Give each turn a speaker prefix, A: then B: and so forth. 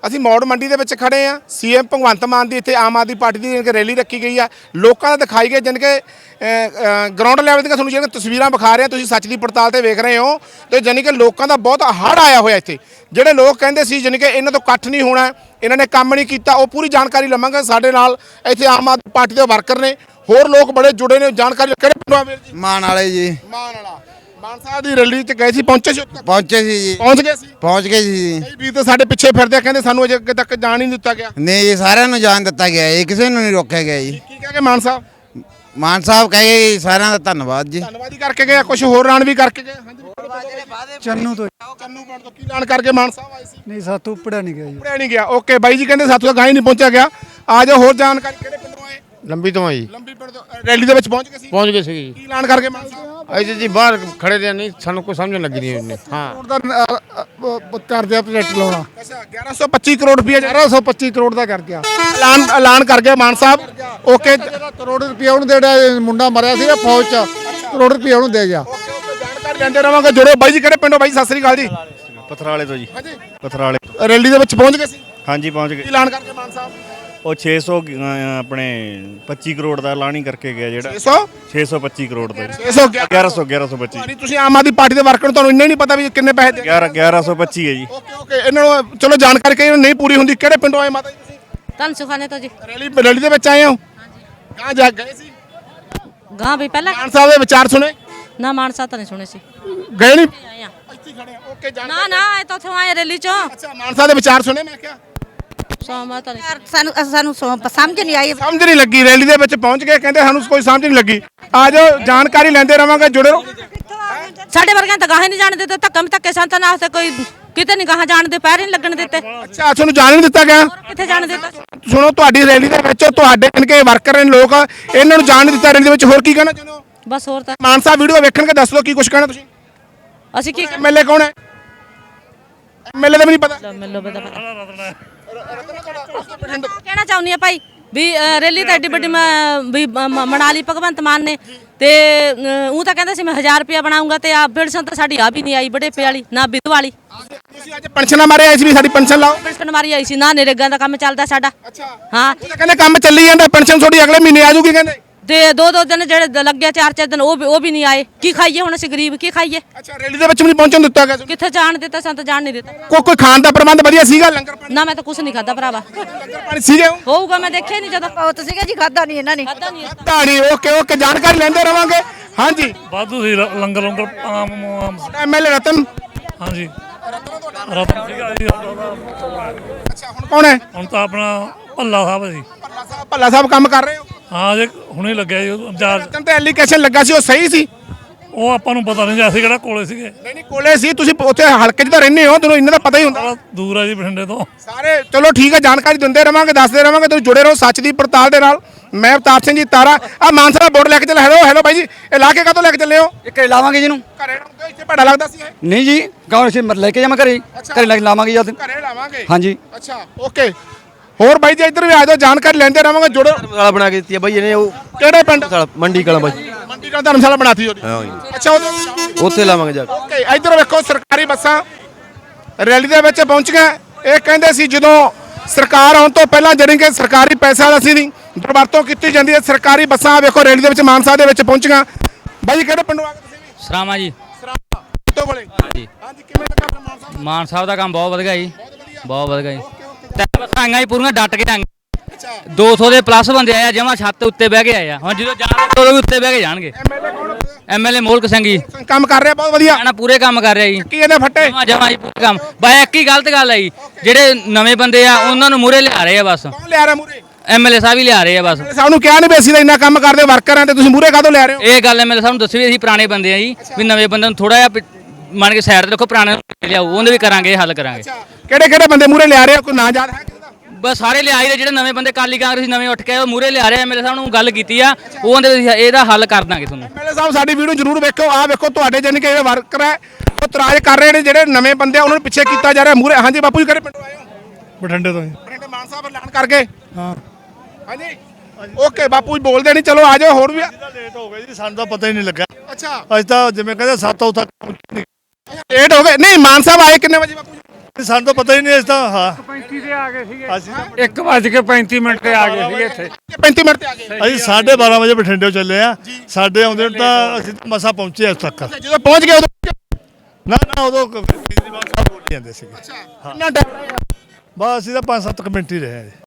A: ਅਸੀਂ ਮੌੜ ਮੰਡੀ ਦੇ ਵਿੱਚ ਖੜੇ ਆ। ਸੀਐਮ ਭਗਵੰਤ ਮਾਨ ਦੀ ਇੱਥੇ ਆਮ ਆਦਮੀ ਪਾਰਟੀ ਦੀ ਰੈਲੀ ਰੱਖੀ ਗਈ ਆ। ਲੋਕਾਂ ਦਾ ਦਿਖਾਈ ਗਏ ਜਾਣੀ ਕਿ ਗਰਾਊਂਡ ਲੈਵਲ ਦੀਆਂ ਤੁਹਾਨੂੰ ਜਿਹੜੀਆਂ ਤਸਵੀਰਾਂ ਵਿਖਾ ਰਹੇ ਆ, ਤੁਸੀਂ ਸੱਚ ਦੀ ਪੜਤਾਲ ਤੇ ਵੇਖ ਰਹੇ ਹੋ। ਤੇ ਜਾਣੀ ਕਿ ਲੋਕਾਂ ਦਾ ਬਹੁਤ ਹੜ੍ਹ ਆਇਆ ਹੋਇਆ ਇੱਥੇ। ਜਿਹੜੇ ਲੋਕ ਕਹਿੰਦੇ ਸੀ ਜਾਣੀ ਕਿ ਇਹਨਾਂ ਤੋਂ ਇਕੱਠ ਨਹੀਂ ਹੋਣਾ, ਇਹਨਾਂ ਨੇ ਕੰਮ ਨਹੀਂ ਕੀਤਾ, ਉਹ ਪੂਰੀ ਜਾਣਕਾਰੀ ਲਵਾਂਗੇ। ਸਾਡੇ ਨਾਲ ਇੱਥੇ ਆਮ ਆਦਮੀ ਪਾਰਟੀ ਦੇ ਵਰਕਰ ਨੇ, ਹੋਰ ਲੋਕ ਬੜੇ ਜੁੜੇ ਨੇ। ਜਾਣਕਾਰੀ ਕਿਹੜੇ ਪਿੰਡੋਂ ਆ ਵੀਰ ਜੀ?
B: ਮਾਨ ਵਾਲੇ ਜੀ।
A: ਮਾਨ ਵਾਲਾ। ਮਾਨ ਸਾਹਿਬ ਦੀ ਰੈਲੀ 'ਚ ਗਏ ਸੀ, ਪਹੁੰਚੇ ਸੀ?
B: ਪਹੁੰਚੇ ਸੀ ਜੀ।
A: ਪਹੁੰਚ ਗਏ ਸੀ?
B: ਪਹੁੰਚ ਗਏ ਸੀ ਜੀ।
A: ਕਈ ਵੀਰ ਤਾਂ ਸਾਡੇ ਪਿੱਛੇ ਫਿਰਦੇ ਆ, ਕਹਿੰਦੇ ਸਾਨੂੰ ਅਜੇ ਅੱਗੇ ਤੱਕ ਜਾਣ ਹੀ ਨਹੀਂ ਦਿੱਤਾ ਗਿਆ।
B: ਨਹੀਂ ਜੀ, ਸਾਰਿਆਂ ਨੂੰ ਜਾਣ ਦਿੱਤਾ ਗਿਆ ਜੀ, ਕਿਸੇ ਨੂੰ ਨਹੀਂ ਰੋਕਿਆ ਗਿਆ ਜੀ।
A: ਕੀ ਕਹਿ ਕੇ ਮਾਨ ਸਾਹਿਬ?
B: ਮਾਨ ਸਾਹਿਬ ਕਹੇ ਜੀ ਸਾਰਿਆਂ ਦਾ ਧੰਨਵਾਦ ਜੀ।
A: ਧੰਨਵਾਦ ਹੀ ਕਰਕੇ ਗਏ, ਕੁਝ ਹੋਰ ਐਲਾਨ ਵੀ ਕਰਕੇ ਗਏ। ਹਾਂਜੀ
C: ਚੰਨੂ ਤੋਂ
A: ਚੰਨੂ ਪਿੰਡ ਤੋਂ ਕੀ ਐਲਾਨ ਕਰਕੇ ਮਾਨ ਸਾਹਿਬ ਆਏ ਸੀ?
C: ਨਹੀਂ, ਸਾਤੋਂ ਪੜਿਆ ਨਹੀਂ ਗਿਆ ਜੀ।
A: ਪੜਿਆ ਨਹੀਂ ਗਿਆ। ਓਕੇ ਬਾਈ ਜੀ ਕਹਿੰਦੇ ਸਾਥੋਂ ਗਾਂ ਹੀ ਨਹੀਂ ਪਹੁੰਚਿਆ ਗਿਆ। ਆ ਜਾਓ, ਹੋਰ ਜਾਣਕਾਰੀ ਕਿਹੜੇ ਪਿੰਡੋਂ ਆਏ?
D: ਲੰਬੀ ਤੋਂ ਆ ਜੀ।
A: ਲੰਬੀ ਪਿੰਡ ਤੋਂ ਰੈਲੀ ਦੇ ਵਿੱਚ ਪਹੁੰਚ ਗਏ ਸੀ?
D: ਪਹੁੰਚ ਗਏ ਸੀ
A: ਕੀ ਐਲਾਨ ਕਰਕੇ ਮਾਨ ਸਾਹਿਬ?
D: ਅਸੀਂ ਜੀ ਬਾਹਰ ਖੜੇ ਤੇ ਨਹੀਂ, ਸਾਨੂੰ ਕੋਈ ਸਮਝ ਲੱਗੀ ਨਹੀਂ ਉਹਨੇ। ਹਾਂ
C: ਕਰਦੇ ਆ ਪ੍ਰੋਜੈਕਟ ਲਾਉਣਾ।
A: ਅੱਛਾ 1125 ਕਰੋੜ ਰੁਪਏ
C: 1125 ਕਰੋੜ ਦਾ ਕਰ ਗਿਆ।
A: ਐਲਾਨ ਕਰ ਗਏ ਮਾਨ ਸਾਹਿਬ। ਓਕੇ
C: ਕਰੋੜ ਰੁਪਏ ਉਹਨੂੰ ਦੇੜਾ, ਮੁੰਡਾ ਮਰਿਆ ਸੀ ਨਾ ਫੌਜ ਚ, ਕਰੋੜ ਰੁਪਏ ਉਹਨੂੰ ਦੇ ਗਿਆ।
A: ਜਾਣਕਾਰੀ ਲੈਂਦੇ ਰਵਾਂਗੇ। ਜੁੜੋ ਬਾਈ ਜੀ, ਕਿਹੜੇ ਪਿੰਡੋਂ? ਬਾਈ ਸਤਿ ਸ੍ਰੀ ਅਕਾਲ ਜੀ।
E: ਪਥਰਾਲੇ ਤੋਂ ਜੀ।
A: ਹਾਂਜੀ
E: ਪਥਰਾਲੇ।
A: ਰੈਲੀ ਦੇ ਵਿੱਚ ਪਹੁੰਚ ਗਏ ਸੀ?
E: ਹਾਂਜੀ ਪਹੁੰਚ
A: ਕੀ
E: ਗਏ।
A: ਐਲਾਨ ਕਰਕੇ ਮਾਨ ਸਾਹਿਬ?
E: ਉਹ 600 ਆਪਣੇ 25 ਕਰੋੜ ਦਾ ਐਲਾਨ ਹੀ ਕਰਕੇ ਗਿਆ ਜਿਹੜਾ
A: 600
E: 625 ਕਰੋੜ ਦਾ
A: 1125
E: 1125
A: ਤੁਸੀਂ ਆਮ ਆਦਮੀ ਪਾਰਟੀ ਦੇ ਵਰਕਰ ਨੂੰ ਤੁਹਾਨੂੰ ਇੰਨਾ ਹੀ ਨਹੀਂ ਪਤਾ ਵੀ ਕਿੰਨੇ ਪੈਸੇ ਦੇ?
E: 1125 ਹੈ ਜੀ।
A: ਓਕੇ ਇਹਨਾਂ ਨੂੰ ਚਲੋ ਜਾਣਕਾਰੀ ਕਹੀ ਨਹੀਂ ਪੂਰੀ ਹੁੰਦੀ। ਕਿਹੜੇ ਪਿੰਡੋਂ ਆਏ ਮਾਤਾ ਜੀ ਤੁਸੀਂ?
F: ਧੰਨ ਸੁਖਾਨੇ ਤੋਂ ਜੀ।
A: ਰੈਲੀ ਦੇ ਵਿੱਚ ਆਏ ਹੋ? ਗਾਂ ਜਾ ਗਏ ਸੀ?
F: ਗਾਂ ਵੀ ਪਹਿਲਾਂ
A: ਮਾਨ ਸਾਹਿਬ ਦੇ ਵਿਚਾਰ ਸੁਣੇ?
F: ਨਾ ਮਾਨ ਸਾਹਿਬ ਤਾਂ ਨਹੀਂ ਸੁਣੇ ਸੀ।
A: ਗਏ ਨਹੀਂ?
F: ਆਏ ਆ।
A: ਇੱਥੇ ਖੜੇ ਆ। ਓਕੇ
F: ਨਾ ਨਾ ਇਹ ਤਾਂ ਉੱਥੋਂ ਆਏ ਰੈਲੀ ਚੋਂ।
A: ਅੱਛਾ ਮਾਨ ਸਾਹਿਬ ਦੇ ਵਿਚਾਰ ਸੁਣੇ? ਮੈਂ ਕਿਹਾ
F: ਸੋਮਾ ਤਾਂ ਨਹੀਂ।
G: ਸਾਨੂੰ ਸਮਝ ਨਹੀਂ ਆਈ।
A: ਸਮਝ ਨਹੀਂ ਲੱਗੀ। ਰੈਲੀ ਦੇ ਵਿੱਚ ਪਹੁੰਚ ਗਏ, ਕਹਿੰਦੇ ਸਾਨੂੰ ਕੋਈ ਸਮਝ ਨਹੀਂ ਲੱਗੀ। ਆ ਜਾਓ, ਜਾਣਕਾਰੀ ਲੈਂਦੇ ਰਵਾਂਗੇ। ਜੁੜੇ ਰਹੋ।
F: ਸਾਡੇ ਵਰਗਿਆਂ ਤਾਂ ਗਾਹੇ ਨਹੀਂ ਜਾਣ ਦਿੱਤੇ। ਧੱਕੇ ਸੰਤਾਂ ਨਾਲ ਤੇ ਕੋਈ ਕਿਤੇ ਨਹੀਂ ਗਾਹਾਂ ਜਾਣ ਦੇ, ਪੈਰ ਹੀ ਨਹੀਂ ਲੱਗਣ ਦਿੱਤੇ।
A: ਅੱਛਾ ਤੁਹਾਨੂੰ ਜਾਣ ਨਹੀਂ ਦਿੱਤਾ ਗਿਆ?
F: ਕਿੱਥੇ ਜਾਣ ਦਿੱਤਾ?
A: ਸੁਣੋ, ਤੁਹਾਡੀ ਰੈਲੀ ਦੇ ਵਿੱਚ ਤੁਹਾਡੇ ਇਨਕੇ ਵਰਕਰ ਨੇ ਲੋਕ, ਇਹਨਾਂ ਨੂੰ ਜਾਣ ਨਹੀਂ ਦਿੱਤਾ ਰੈਲੀ ਦੇ ਵਿੱਚ। ਹੋਰ ਕੀ ਕਹਿਣਾ ਚਾਹੁੰਦੇ ਹੋ?
F: ਬਸ ਹੋਰ ਤਾਂ
A: ਮਾਨ ਸਾਹਿਬ ਵੀਡੀਓ ਵੇਖਣਗੇ, ਦੱਸ ਦਿਓ ਕੀ ਕੁਝ ਕਹਿਣਾ ਤੁਸੀਂ।
F: ਅਸੀਂ ਕੀ
A: ਐਮਐਲਏ ਕੌਣ ਹੈ? ਐਮਐਲਏ ਦਾ ਵੀ ਨਹੀਂ ਪਤਾ।
F: ਮਿਲੋ ਬਦਾ ਕਹਿਣਾ ਚਾਹੁੰਦੀ ਆ ਭਾਈ ਵੀ ਰੈਲੀ ਤਾਂ ਐਡੀ ਵੱਡੀ ਵੀ ਮਨਾ ਲਈ ਭਗਵੰਤ ਮਾਨ ਨੇ। ਤੇ ਉਹ ਤਾਂ ਕਹਿੰਦਾ ਸੀ ਮੈਂ 1000 ਰੁਪਇਆ ਬਣਾਉਂਗਾ, ਤੇ ਆ ਪੈਨਸ਼ਨ ਤਾਂ ਸਾਡੀ ਆ ਵੀ ਨਹੀਂ ਆਈ, ਬੜੇਪੇ ਵਾਲੀ ਨਾ ਵਿਧਵਾ ਵਾਲੀ।
A: ਤੁਸੀਂ ਅੱਜ ਪੈਨਸ਼ਨਾਂ ਮਾਰੇ ਆਏ ਸੀ ਵੀ ਸਾਡੀ ਪੈਨਸ਼ਨ ਲਾਓ?
F: ਪੈਨਸ਼ਨ ਮਾਰੀ ਆਈ ਸੀ ਨਾ। ਨਰੇਗਾ ਦਾ ਕੰਮ ਚੱਲਦਾ ਸਾਡਾ।
A: ਅੱਛਾ
F: ਹਾਂ,
A: ਉਹ ਤਾਂ ਕਹਿੰਦੇ ਕੰਮ ਚੱਲੀ ਜਾਂਦਾ, ਪੈਨਸ਼ਨ ਤੁਹਾਡੀ ਅਗਲੇ ਮਹੀਨੇ ਆ ਜਾਊਗੀ ਕਹਿੰਦੇ।
F: ਤੇ ਦੋ ਦਿਨ ਜਿਹੜੇ ਲੱਗੇ 4 ਦਿਨ ਉਹ ਵੀ ਨਹੀਂ ਆਏ। ਕੀ ਖਾਈਏ ਹੁਣ ਅਸੀਂ ਗਰੀਬ, ਕੀ ਖਾਈਏ?
A: ਅੱਛਾ ਰੈਲੀ ਦੇ ਵਿੱਚ ਵੀ ਨਹੀਂ ਪਹੁੰਚਣ ਦਿੱਤਾ ਗਿਆ?
F: ਕਿੱਥੇ ਜਾਣ ਦਿੱਤਾ? ਸਾਨੂੰ ਤਾਂ ਜਾਣ ਨਹੀਂ ਦਿੱਤਾ।
A: ਕੋਈ ਖਾਣ ਦਾ ਪ੍ਰਬੰਧ ਵਧੀਆ ਸੀਗਾ? ਲੰਗਰ ਪਾਣੀ?
F: ਨਾ ਮੈਂ ਤਾਂ ਕੁਝ ਨਹੀਂ ਖਾਦਾ ਭਰਾਵਾ।
A: ਲੰਗਰ ਪਾਣੀ ਸੀਗੇ?
F: ਹੋਊਗਾ, ਮੈਂ ਦੇਖਿਆ ਨਹੀਂ ਜਦੋਂ।
G: ਬਹੁਤ ਸੀਗਾ ਜੀ, ਖਾਦਾ ਨਹੀਂ ਇਹਨਾਂ ਨੇ।
F: ਖਾਦਾ ਨਹੀਂ।
A: ਧਾਣੀ। ਓਕੇ ਜਾਣਕਾਰੀ ਲੈਂਦੇ ਰਵਾਂਗੇ। ਹਾਂਜੀ
H: ਵਾਧੂ ਸੀ ਲੰਗਰ ਆਮ
A: ਐਮਐਲਏ ਰਤਨ।
H: ਹਾਂਜੀ ਰਤਨ ਸੀਗਾ ਜੀ।
A: ਅੱਛਾ ਹੁਣ ਕੌਣ ਹੈ?
H: ਹੁਣ ਤਾਂ ਆਪਣਾ ਭੱਲਾ ਸਾਹਿਬ ਸੀ।
A: ਭੱਲਾ ਸਾਹਿਬ ਕੰਮ ਕਰ ਰਹੇ ਹੋ?
H: ਹਾਂ ਜੇ ਹੁਣੇ ਲੱਗਿਆ ਜੀ
A: ਰਤਨ ਤੇ ਐਲੀਗੇਸ਼ਨ ਲੱਗਾ ਸੀ, ਉਹ ਸਹੀ ਸੀ?
H: ਉਹ ਆਪਾਂ ਨੂੰ ਪਤਾ ਨਹੀਂ ਜੀ, ਅਸੀਂ ਕਿਹੜਾ ਕੋਲੇ ਸੀਗੇ।
A: ਨਹੀਂ ਕੋਲੇ ਸੀ, ਤੁਸੀਂ ਉੱਥੇ ਹਲਕੇ 'ਚ ਤਾਂ ਰਹਿੰਦੇ ਹੋ, ਤੁਹਾਨੂੰ ਇਹਨਾਂ ਦਾ ਪਤਾ ਹੀ ਹੁੰਦਾ।
H: ਬੜਾ ਦੂਰ ਆ ਜੀ ਬਠਿੰਡੇ ਤੋਂ
A: ਸਾਰੇ ਚਲੋ ਠੀਕ ਹੈ, ਜਾਣਕਾਰੀ ਦਿੰਦੇ ਰਵਾਂਗੇ, ਦੱਸਦੇ ਰਵਾਂਗੇ। ਤੁਸੀਂ ਜੁੜੇ ਰਹੋ ਸੱਚ ਦੀ ਪੜਤਾਲ ਦੇ ਨਾਲ। ਮੈਂ ਅਵਤਾਰ ਸਿੰਘ ਜੀ ਤਾਰਾ। ਆ ਮਾਨ ਸਾਹਿਬ ਬੋਰਡ ਲੈ ਕੇ ਚੱਲੇ। ਹੈਲੋ ਬਾਈ ਜੀ, ਇਹ ਲਾ ਕੇ ਕਾਹਤੋਂ ਲੈ ਕੇ ਚੱਲੇ ਹੋ?
C: ਘਰੇ ਲਾਵਾਂਗੇ ਜਿਹਨੂੰ।
A: ਘਰੇ ਇੱਥੇ ਭੜਾ ਲੱਗਦਾ ਸੀ ਇਹ?
C: ਨਹੀਂ ਜੀ, ਗਾਉਂ ਅਸੀਂ ਲੈ ਕੇ ਜਾਵਾਂ ਘਰੇ। ਘਰੇ ਲੈ ਕੇ ਲਾਵਾਂਗੇ ਜਦ।
A: ਘਰੇ ਲਾਵਾਂਗੇ?
C: ਹਾਂਜੀ।
A: ਅੱਛਾ ਓਕੇ। ਹੋਰ ਬਾਈ ਜੀ ਇੱਧਰ ਵੀ ਆ ਜਾਓ, ਜਾਣਕਾਰੀ ਲੈਂਦੇ ਰਵਾਂਗੇ। ਜੁੜੋ।
I: ਧਰਮਸ਼ਾਲਾ ਬਣਾ ਕੇ ਦਿੱਤੀ ਹੈ ਬਾਈ ਇਹਨੇ। ਉਹ
A: ਕਿਹੜੇ ਪਿੰਡ?
I: ਮੰਡੀ ਕਲਾਂ ਬਾਈ।
A: ਮੰਡੀ ਕਲਾਂ ਧਰਮਸ਼ਾਲਾ ਬਣਾਤੀ ਉਹਦੀ? ਅੱਛਾ
I: ਉੱਥੇ ਲਾਵਾਂਗੇ ਜਾ ਕੇ।
A: ਓਕੇ ਇੱਧਰ ਵੇਖੋ, ਸਰਕਾਰੀ ਬੱਸਾਂ ਰੈਲੀ ਦੇ ਵਿੱਚ ਪਹੁੰਚੀਆਂ। ਇਹ ਕਹਿੰਦੇ ਸੀ ਜਦੋਂ ਸਰਕਾਰ ਆਉਣ ਤੋਂ ਪਹਿਲਾਂ ਜਿਹੜੀ ਕਿ ਸਰਕਾਰੀ ਪੈਸਾ ਅਸੀਂ ਦੀ ਦੁਰਵਰਤੋਂ ਕੀਤੀ ਜਾਂਦੀ ਹੈ। ਸਰਕਾਰੀ ਬੱਸਾਂ ਵੇਖੋ ਰੈਲੀ ਦੇ ਵਿੱਚ ਮਾਨ ਸਾਹਿਬ ਦੇ ਵਿੱਚ ਪਹੁੰਚੀਆਂ। ਬਾਈ ਜੀ ਕਿਹੜੇ ਪਿੰਡੋਂ ਆ ਗਏ ਤੁਸੀਂ ਵੀ?
J: ਸਰਾਵਾਂ ਜੀ।
A: ਸਰਾਵਾਂ ਤੋਂ ਕੋਲੇ?
J: ਹਾਂਜੀ।
A: ਹਾਂਜੀ ਕਿਵੇਂ ਲੱਗਾ ਫਿਰ ਮਾਨ ਸਾਹਿਬ?
J: ਮਾਨ ਸਾਹਿਬ ਦਾ ਕੰਮ ਬਹੁਤ ਵਧੀਆ ਜੀ, ਬਹੁਤ ਵਧੀਆ ਜੀ। ਤੇ ਬੱਸਾਂ ਆਈਆਂ ਜੀ ਪੂਰੀਆਂ ਡਟ ਕੇ ਆਈਆਂ। 200 ਦੇ ਪਲੱਸ ਬੰਦੇ ਆਏ ਆ, ਜਮਾ ਛੱਤ ਉੱਤੇ ਬਹਿ ਕੇ ਆਏ ਆ। ਹੁਣ ਜਦੋਂ ਜਾਣਗੇ ਉਦੋਂ ਵੀ ਉੱਤੇ ਬਹਿ ਕੇ ਜਾਣਗੇ। ਐਮਐਲਏ ਮੋਲਕ ਸਿੰਘ ਜੀ
A: ਕੰਮ ਕਰ ਰਿਹਾ ਬਹੁਤ ਵਧੀਆ।
J: ਨਾ ਪੂਰੇ ਕੰਮ ਕਰ ਰਿਹਾ ਜੀ।
A: ਕੀ ਇਹਦੇ ਫੱਟੇ?
J: ਜਮਾ ਜੀ ਪੂਰੇ ਕੰਮ। ਬਾਈ ਇੱਕ ਹੀ ਗਲਤ ਗੱਲ ਹੈ ਜੀ, ਜਿਹੜੇ ਨਵੇਂ ਬੰਦੇ ਆ ਉਹਨਾਂ ਨੂੰ ਮੂਹਰੇ ਲਿਆ ਰਹੇ ਆ ਬਸ।
A: ਕੌਣ ਲਿਆ ਰਿਹਾ ਮੂਰੇ?
J: ਐਮਐਲਏ ਸਾਹਿਬ ਹੀ ਲਿਆ ਰਹੇ ਆ ਬਸ।
A: ਸਾਨੂੰ ਕਿਹਾ ਨਹੀਂ ਵੀ ਅਸੀਂ ਤਾਂ ਇੰਨਾ ਕੰਮ ਕਰਦੇ ਵਰਕਰ ਆ, ਤੇ ਤੁਸੀਂ ਮੂਰੇ ਕਾਹਤੋਂ ਲੈ ਰਹੇ ਹੋ?
J: ਇਹ ਗੱਲ ਐਮਐਲਏ ਸਾਹਿਬ ਨੂੰ ਦੱਸੀ ਵੀ ਅਸੀਂ ਪੁਰਾਣੇ ਬੰਦੇ ਆ ਜੀ, ਵੀ ਨਵੇਂ ਬੰਦੇ ਨੂੰ ਥੋੜਾ ਜਿਹਾ ਮੰਨ ਕੇ ਸਾਈਡ ਤੇ ਰੱਖੋ, ਪੁਰਾਣੇ ਨੂੰ ਲਿਆਓ, ਉਹਦੇ ਵੀ ਕਰਾਂਗੇ, ਹੱਲ ਕਰਾਂਗੇ।
A: ਕਿਹੜੇ ਬੰਦੇ ਮੂਰੇ ਲਿਆ ਰਹੇ? ਕੋਈ ਨਾਂ ਯਾਦ ਹੈ?
J: ਬਸ ਸਾਰੇ ਲਿਆਏ ਦੇ ਜਿਹੜੇ ਨਵੇਂ ਬੰਦੇ ਕਾਲੀ ਕਾਂਗਰਸੀ ਨਵੇਂ ਉੱਠ ਕੇ ਉਹ ਮੂਹਰੇ ਲਿਆ ਰਹੇ। ਐਮਐਲਏ ਸਾਹਿਬ ਨੂੰ ਗੱਲ ਕੀਤੀ ਆ, ਉਹ ਕਹਿੰਦੇ ਇਹਦਾ ਹੱਲ ਕਰ ਦਾਂਗੇ ਤੁਹਾਨੂੰ।
A: ਐਮਐਲਏ ਸਾਹਿਬ ਸਾਡੀ ਵੀਡੀਓ ਜ਼ਰੂਰ ਵੇਖੋ। ਆਹ ਵੇਖੋ ਤੁਹਾਡੇ ਜਾਨੀ ਕਿ ਜਿਹੜੇ ਵਰਕਰ ਹੈ ਉਹ ਇਤਰਾਜ਼ ਕਰ ਰਹੇ ਨੇ, ਜਿਹੜੇ ਨਵੇਂ ਬੰਦੇ ਆ ਉਹਨਾਂ ਨੂੰ ਪਿੱਛੇ ਕੀਤਾ ਜਾ ਰਿਹਾ ਮੂਰੇ। ਹਾਂਜੀ ਬਾਪੂ ਜੀ ਕਿਹੜੇ ਪਿੰਡੋਂ ਆਏ ਹੋ?
H: ਬਠਿੰਡੇ ਤੋਂ।
A: ਬਠਿੰਡੇ। ਮਾਨ ਸਾਹਿਬ ਐਲਾਨ ਕਰਕੇ?
H: ਹਾਂ
A: ਹਾਂਜੀ ਓਕੇ ਬਾਪੂ ਜੀ ਬੋਲਦੇ ਨਹੀਂ। ਚਲੋ ਆ ਜਾਓ। ਹੋਰ ਵੀ
H: ਲੇਟ ਹੋ ਗਏ ਜੀ, ਸਾਨੂੰ ਤਾਂ ਪਤਾ ਹੀ ਨਹੀਂ ਲੱਗਾ।
A: ਅੱਛਾ
H: ਅੱਜ ਤਾਂ ਜਿਵੇਂ ਕਹਿੰਦੇ 7 ਵਜੇ ਤੱਕ
A: ਲੇਟ ਹੋ ਗਏ। ਨਹੀਂ ਮਾਨ ਸਾਹਿਬ ਆਏ ਕਿੰਨੇ ਵਜੇ ਬਾਪੂ ਜੀ?
H: ਸਾਨੂੰ ਤਾਂ ਪਤਾ ਹੀ ਨਹੀਂ ਇਸ ਤਾਂ ਹਾਂ
C: 35 ਤੇ ਆ ਗਏ ਸੀਗੇ
H: ਅਸੀਂ
C: 1:35 ਤੇ ਆ ਗਏ ਸੀਗੇ ਇੱਥੇ
A: 35 ਮਿੰਟ ਤੇ ਆ ਗਏ
H: ਅਸੀਂ 12:30 ਵਜੇ ਬਠਿੰਡੇ ਚੱਲੇ ਆ ਸਾਡੇ ਆਉਂਦੇ ਨੂੰ ਤਾਂ ਅਸੀਂ ਮਸਾ ਪਹੁੰਚੇ ਇਸ ਤੱਕ
A: ਜਦੋਂ ਪਹੁੰਚ ਗਏ ਉਦੋਂ
H: ਨਾ ਉਦੋਂ ਕੇਜਰੀਵਾਲ ਸਾਹਿਬ ਬੋਲ ਜਾਂਦੇ ਸੀਗੇ
A: ਕਿੰਨਾ ਟਾਈਮ
H: ਬਸ ਅਸੀਂ ਤਾਂ 5-7 ਮਿੰਟ ਹੀ ਰਹੇ ਆ ਜੀ